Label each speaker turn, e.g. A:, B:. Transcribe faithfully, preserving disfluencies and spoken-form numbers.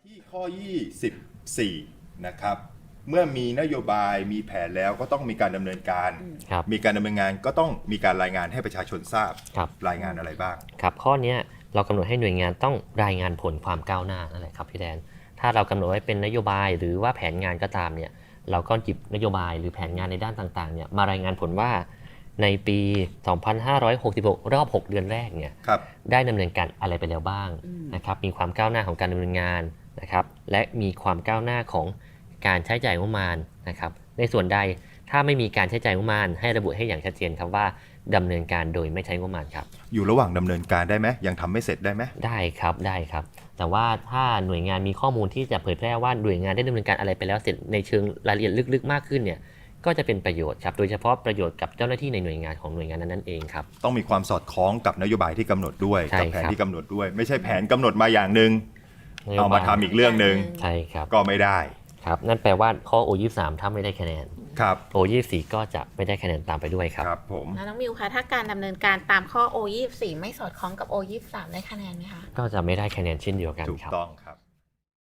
A: ที่ข้อยี่สิบสี่นะครับเมื่อมีนโยบายมีแผนแล้วก็ต้องมีการดำเนินการ
B: ครับ
A: มีการดำเนินงานก็ต้องมีการรายงานให้ประชาชนทราบ
B: ครับ
A: รายงานอะไรบ้าง
B: ครับข้อเนี้ยเรากำหนดให้หน่วยงานต้องรายงานผลความก้าวหน้านั่นแหละครับพี่แดนถ้าเรากำหนดไว้เป็นนโยบายหรือว่าแผนงานก็ตามเนี่ยเราก็หยิบนโยบายหรือแผนงานในด้านต่างๆเนี่ยมารายงานผลว่าในปี สองพันห้าร้อยหกสิบหก รอบ หก เดือนแรกเนี่ย
A: ครับ
B: ได้ดำเนินการอะไรไปแล้วบ้างนะครับมีความก้าวหน้าของการดำเนินงานนะครับและมีความก้าวหน้าของการใช้จ่ายงบประมาณนะครับในส่วนใดถ้าไม่มีการใช้จ่ายงบประมาณให้ระบุให้อย่างชัดเจนครับว่าดำเนินการโดยไม่ใช้งบประมาณครับ
A: อยู่ระหว่างดำเนินการได้ไหมยังทำไม่เสร็จได้ไหม
B: ได้ครับได้ครับแต่ว่าถ้าหน่วยงานมีข้อมูลที่จะเผยแพร่ว่าหน่วยงานได้ดำเนินการอะไรไปแล้วเสร็จในเชิงรายละเอียดลึกๆมากขึ้นเนี่ยก็จะเป็นประโยชน์ครับโดยเฉพาะประโยชน์กับเจ้าหน้าที่ในหน่วยงานของหน่วยงานนั้นๆเองครับ
A: ต้องมีความสอดคล้องกับนโยบายที่กำหนดด้วย
B: ใช่
A: กับแผน
B: ครับ
A: ที่กำหนดด้วย ไม่ใช่แผนกำหนดมาอย่างหนึ่ง
B: นโยบย
A: เอามาทำอีกเรื่องหนึ่ง
B: ใช่ครับ
A: ก็ไม่ได้
B: ครับนั่นแปลว่าข้อ โอ ยี่สิบสาม ถ้าไม่ได้คะแนน
A: ครับ
B: โอ ยี่สิบสี่ ก็จะไม่ได้คะแนนตามไปด้วยครับ
A: ครับผม
C: แล้วน้องมิวคะถ้าการดำเนินการตามข้อ โอ ยี่สิบสี่ ไม่สอดคล้องกับ โอ ยี่สิบสาม ได้คะแนนไหมคะ
B: ก็จะไม่ได้คะแนนเช่นเดียวกัน
A: ถูก
B: ครับ
A: ต้องครับ